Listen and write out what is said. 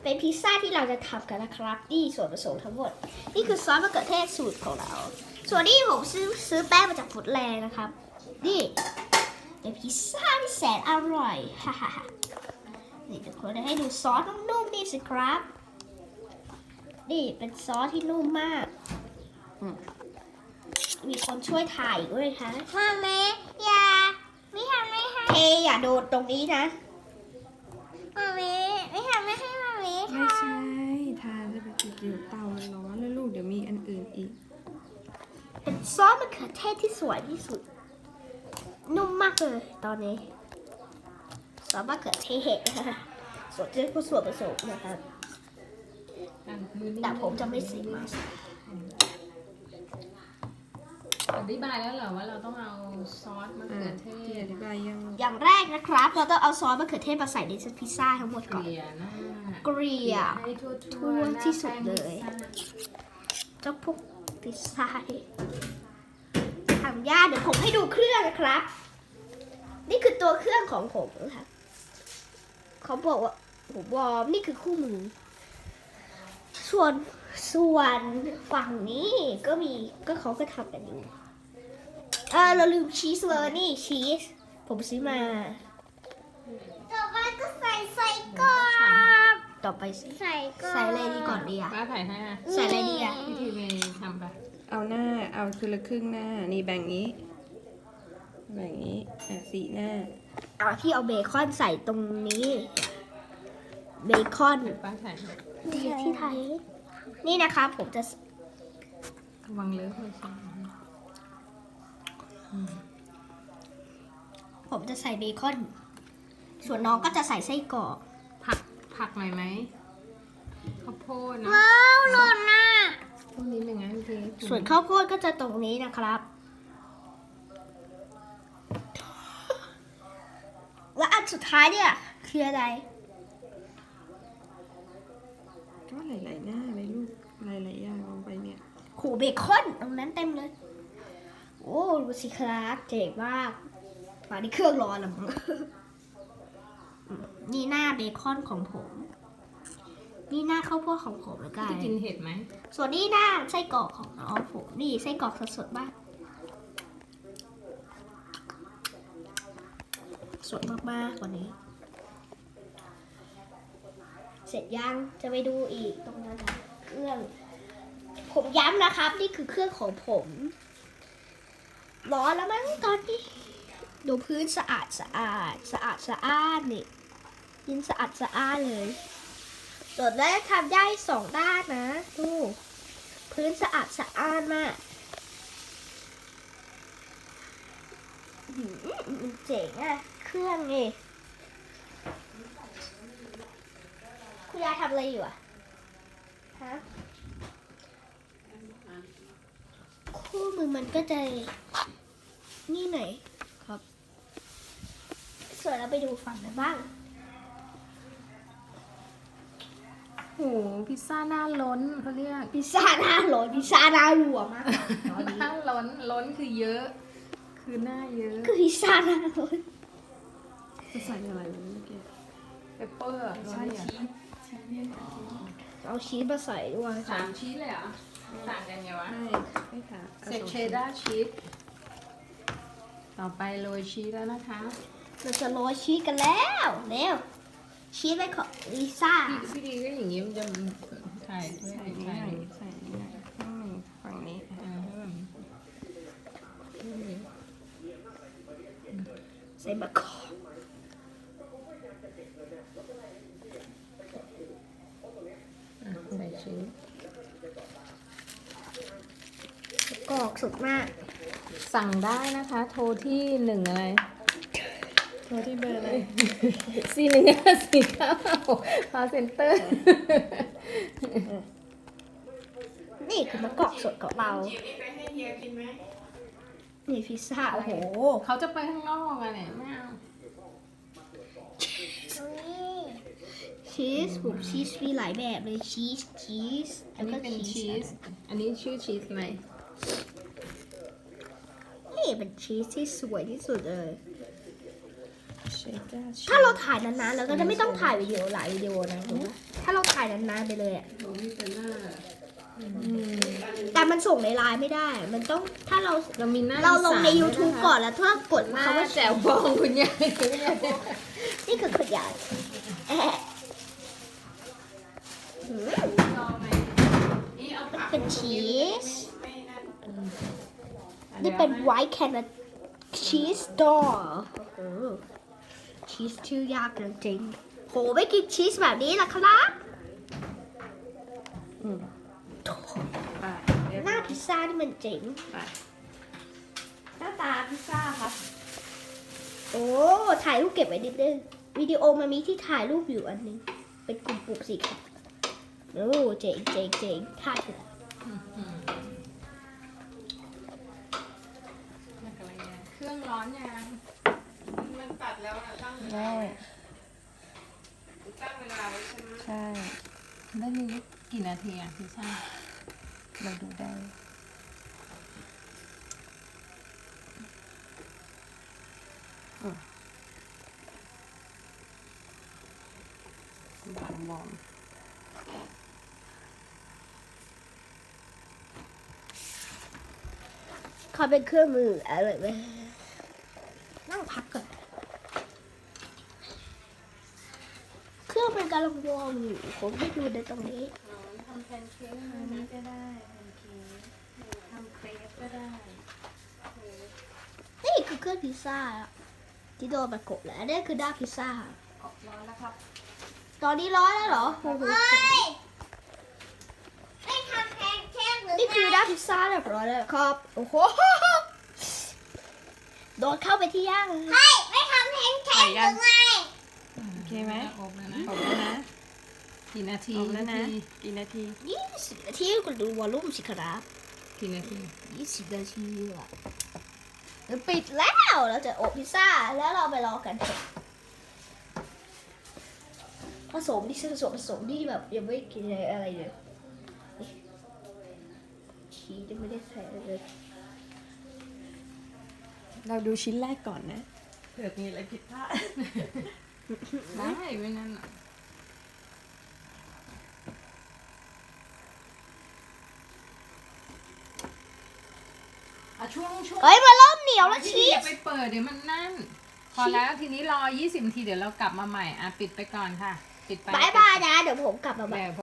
เป็นพิซซ่าที่เราจะทำกันนะครับนี่ส่วนผสมทั้งหมดนี่คือซอสมะเขือเทศสูตรของเราส่วนนี้ผมซื้อแป้งมาจากฟู้ดแลนด์นะครับนี่เป็นพิซซ่าที่แสนอร่อยฮ่าฮ่าฮ่านี่ทุกคนให้ดูซอสนุ่มๆนี่สิครับนี่เป็นซอสที่นุ่มมากมีคนช่วยถ่ายด้วยคะมาเมอย่าไม่ทำไม่ให้เทอย่าโดดตรงนี้นะมาเมไม่ทำไม่ให้มาเมไม่ใช่ทานจะไปติดอยู่เตามันร้อนแล้วลูกเดี๋ยวมีอันอื่นอีกเป็นซอสมะเขือเทศที่สวยที่สุดนุ่มมากเลยตอนนี้ซอสมะเขือเทศส่วนนี้ก็ส่วนผสมนะครับแต่ผมจะไม่ใส่มาอธิบายแล้วเหรอว่าเราต้องเอาซอสมะเขือเทที่ศอธิบายยังอย่างแรกนะครับเราต้องเอาซอสมะเขือเทศมาใส่ในพิซซ่าทั้งหมดเกก่อนลี่ยหน้าเกลี่ยให้ทั่ทั่ววๆที่สุดเลยหน้าแป้งพิซซ่าเจ้าพวกพิซซ่าทำยากเดี๋ยวผมให้ดูเครื่องนะครับ นี่คือตัวเครื่องของผมนะครับเขาบอกว่าผมวอร์มนี่คือคู่มือส่วนฝั่งนี้ก็เขาก็ทำกันอยู่เราลืมชีสเลยนี่ชีสผมซื้อมาต่อไปก็ใส่ก่อนต่อไปใส่อะไรดีก่อนดีอะป้าถ่ายให้อะใส่อะไรดีอะวิธีไปทำไปเอาหน้าเอาคือละครึ่งหน้านี่แบ่งนี้สีหน้าพี่เอาเบคอนใส่ตรงนี้เบคอนเดี๋ยวป้าถ่ายให้ที่ไทยนี่นะคะผมจะระวังเลอะโทรศัพท์ใส่เบคอนส่วนน้องก็จะใส่ไส้กรอกผักหน่อยไหมข้าวโพดนะว้าวหล่นน่ะพวกนี้เป็นไงพี่ส่วนข้าวโพดก็จะตรงนี้นะครับ และอันสุดท้ายเนี่ยคืออะไรก็หลายๆหน้าเลยลูกหลายๆอย่างลงไปเนี่ยโหเบคอนตรงนั้นเต็มเลย โอ้ดูสิครับเจ๋งมากมาที่เครื่องร้อนแล้วมั้งนี่หน้าเบคอนของผม นี่หน้าข้าวโพดของผมแล้วกันจะกินเห็ดไหมส่วนนี้หน้าไส้กรอกของน้องผมนี่ไส้กรอกสดๆมากสวยมากๆกว่านี้ เสร็จยังจะไปดูอีกตรงนั้นนะเครื่อง ผมย้ำนะครับ นี่คือเครื่องของผมร้อนแล้วมั้งตอนนี้ดูพื้นสะอาดนี่ยินสะอาดเลยส่วนแรกทำได้2 ด้านนะดูพื้นสะอาดมากมันเจ๋งอะเครื่องนี่คุณยายทำอะไรอยู่อะฮะคู่มือมันก็จะนี่หน่อยครับส่วนเราไปดูฝั่งไหนบ้างโหพิซซ่าหน้าล้นเขาเรียกพิซซ่าหน้าร้อนพิซซ่าหน้ารัวมากตอนนี้หน้าล้นคือเยอะ คือหน้าเยอะคือพิซซ่าหน้าร้อนจะใส่อะไรวะเมื่อกี้เปปเปอร์ใช่ชีสเอาชีสมาใส่ด้วย 3 ชีสเลยเหรอต่างกันไงวะไม่ค่ะเสร็จเชดดาร์ชีสต่อไปโรยชีสแล้วนะคะเราจะโรยชีสกันแล้วเร็วชีสไปของลิซ่าพี่ดีก็อย่างนี้มันจะถ่ายด้วยใส่นี่หน่อยใส่นี่หน่อยข้างหนึ่งฝั่งนี้ใส่มะกอกใส่ชีสกอกสุดมากสั่งได้นะคะ โทรที่1อะไรโทรที่เบอร์อะไร 4149คอเซ็นเตอร์นี่คือมะกอกสดของเรานี่พิซซ่าโอ้โหเขาจะไปข้างนอกอะเนี่ยไม่เอาชีสผมชีสมีหลายแบบเลยชีสอันนี้เป็นชีส อันนี้ชื่อชีสไหมนี่เป็นชีสที่สวยที่สุดเลยเชดดาร์ชีสถ้าเราถ่ายนานๆเราก็จะไม่ต้องถ่ายวิดีโอหลายวิดีโอนะถูกไหมถ้าเราถ่ายายนานๆไปเลยอะบอกมีแต่หน้าแต่มันส่งในไลน์ไม่ได้ มันต้องถ้าเราเรามีหน้าเราลงในอีสา YouTube ด้วยะคะก่อนแล้วถ้ากดหน้าคำว่าแจ๋วบองคุณยายนี่คือขยายแอะหืมเป็นชีส นี่เป็นไวท์แคนาชีสดอชีสชื่อยากจริงๆโหไม่กินชีสแบบนี้ล่ะครับหน้าพิซซ่านี่มันเจ๋งหน้าตาพิซซ่าครับ โอ้ถ่ายรูปเก็บไว้นิดนึงวิดีโอมันมีที่ถ่ายรูปอยู่อันนึง เป็นกลุ่มปุ่มสีขาวโอ้เจ๋งเจ๋งเจ๋งถ่ายเถอะเครื่องร้อนยังมันตัดแล้วตั้งได้ตั้งเวลาไว้ใช่ไหมใช่ได้มีกี่นาทีอ่ะพี่ชาเราดูได้บอมเขาเป็นเครื่องมืออะไรไหมนั่งพักก่อนเครื่องมันกำลังวอร์มอยู่ผมไม่ดูในตรงนี้ทำแพนเค้กอันนี้ก็ได้แพนเค้กทำเครปก็ได้นี่คือเครื่องพิซซ่าอะที่โดนประกบแล้วนี่คือด้านพิซซ่าออกร้อนแล้วครับตอนนี้ร้อนแล้วเหรอโอ้โหไม่ทำแพนเค้กหรือนี่คือด้านพิซซ่าเรียบร้อยแล้วครับโอ้โหโดนเข้าไปที่ย่างเลยไม่ทำแพนเค้กหรือไงโอเคไหมอบแล้วนะอบแล้วนะกี่นาทีอบแล้วนะ กี่นาที 20 นาทีคุณดูวอลลุ่มสิครับกี่นาที 20 นาทีอะเดี๋ยวปิดแล้วเราจะอบพิซซ่าแล้วเราไปรอกันผสมที่ผสมที่แบบยังไม่กินอะไรเลยชีสยังไม่ได้ใส่เลยเราดูชิ้นแรกก่อนนะเผื่อมีอะไรผิดพลาดได้ไม่นั่นหรอกช่วงเฮ้ยมาเริ่มเหนียวแล้วชีอย่าสไปเปิดเดี๋ยวมันนั่น พอแล้วทีนี้รอ 20 นาทีเดี๋ยวเรากลับมาใหม่อ่ะปิดไปก่อนค่ะ ปิดไปบายบายนะ เดี๋ยวผมกลับมาใหม่เดี๋ยว